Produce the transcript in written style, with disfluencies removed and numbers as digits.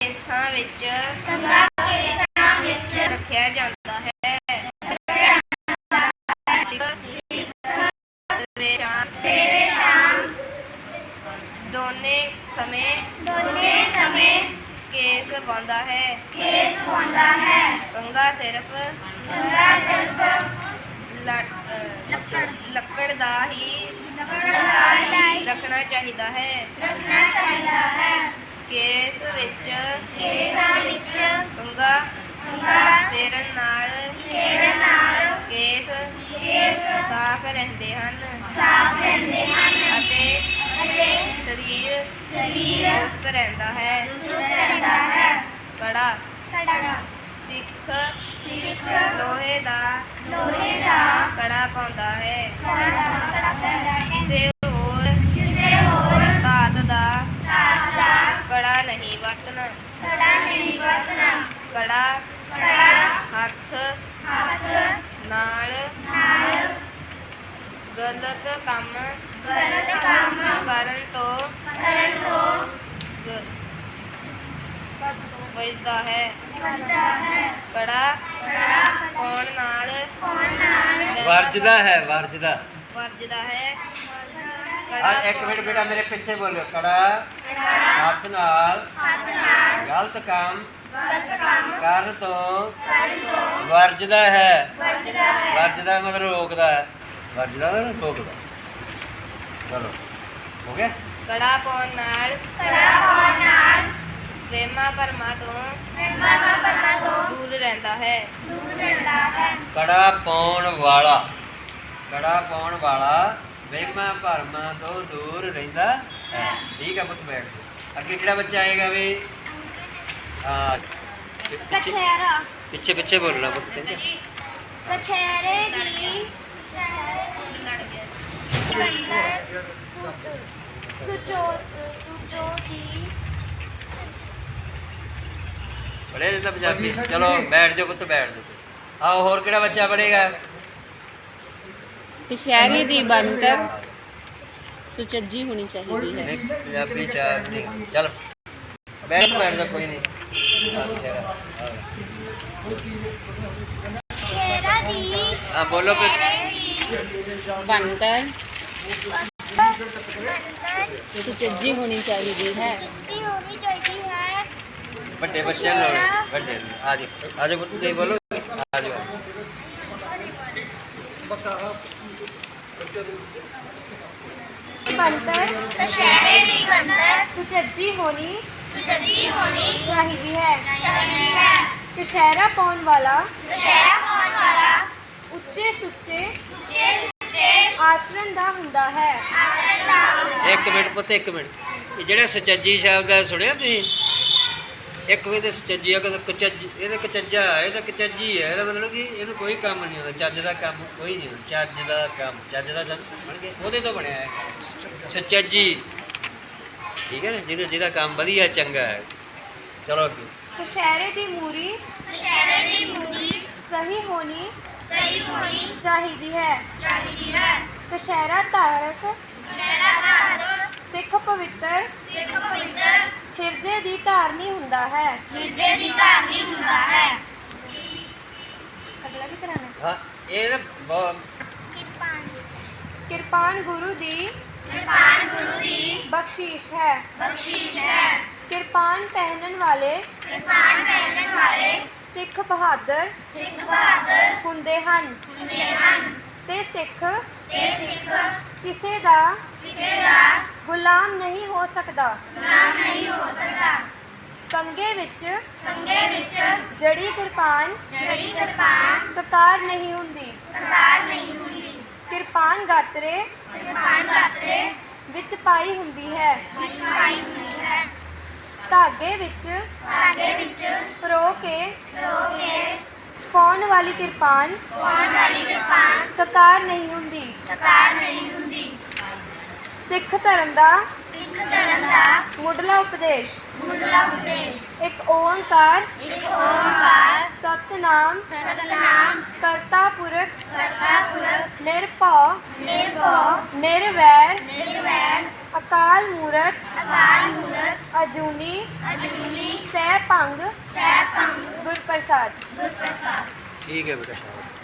केसां विच रखिया जाता है। सवेरे शाम दोने समय केस पाउंदा है। कंघा सिर्फ लकड़ दा ही रखना चाहिदा है। केस विच कंघा फेरन नाल केस साफ रहंदे हन अते शरीर चुस्त रहंदा है। कड़ा सिख लोहे दा कड़ा पाउंदा है। किसे होर धात दा कड़ा नहीं वरतना। कड़ा हथ नाल गलत काम करन तो बचदा है। कड़ा पाउण नाल वर्जदा है। एक मिनट बेटा मेरे पीछे बोलो। कड़ा हाथ नाल गलत काम कर तो वर्जदा है। वर्जदा मतलब रोकदा है। वर्जदा मतलब रोकदा। चलो हो गया। कड़ा पाउण नाल वेमा भरमा तो दूर रहता है। कड़ा पाउण वाला वेमा भरमा तो दूर रहिंदा है। ठीक है पुत बैठ। अगे किहड़ा बच्चा आएगा वे? पीछे बोलना पुत। कछेरे दी पढ़े देता पंजाबी। चलो बैठ जाओ पुत बैठ जाओ। आओ होर किहड़ा बच्चा पढ़ेगा? कछहरे दी बनतर सुचज्जी होनी चाहिए है। पंजाबी चार नहीं। चल बैठ जा कोई नहीं। हाँ बोलो फिर। बनतर सुचज्जी होनी चाहिए है। बड़े बच्चे लोग बड़े आज पुत दे बोलो। आज बनतर सुचज्जी होनी चाहिए है। कछहरा पाउण वाला उच्चे सुच्चे आचरण दा हुंदा है। एक मिनट पुत एक मिनट। ये जेड़ा सुचज्जी शब्द है सुनिया तुसीं? एक कोई तो सुचज्जी है कचज्जी ये कचज्जा है कचज्जी है। ਇਹਦਾ मतलब कि ਇਹਨੂੰ कोई काम नहीं होता। ਚੱਜ ਦਾ ਕੰਮ कोई नहीं होता। ਚੱਜ ਦਾ ਕੰਮ ਚੱਜ ਦਾ ਬਣ ਕੇ ਉਹਦੇ ਤੋਂ ਬਣਿਆ ਹੈ सुचज्जी। ठीक है ना ਜਿਹਦਾ ਕੰਮ ਵਧੀਆ ਚੰਗਾ ਹੈ। चलो अगे। कछहरे दी मूरी सही होनी चाहिए है। कछहरा धारक सिख पवित्र हिरदे दी धारनी हुंदा है। अगला भी कराना। हाँ ये ना किरपान गुरु दी बख्शीश है। किरपान पहनन वाले सिख बहादुर हुंदे हन ते सिख किसे दा गुलाम नहीं हो सकता। कंगे विच जड़ी किरपान ककार नहीं हुंदी। किरपान गात्रे विच पाई हुंदी है। धागे विच परो के पाउण वाली किरपान ककार नहीं हुंदी। सिख धर्म दा मुढ़ला उपदेश एक ओंकार सतनाम करता पुरख निर्भव निर्वैर अकाल मूरत अजूनी सह ਭੰਗ ਗੁਰਪ੍ਰਸਾਦ। ठीक है बेटा शाबाश।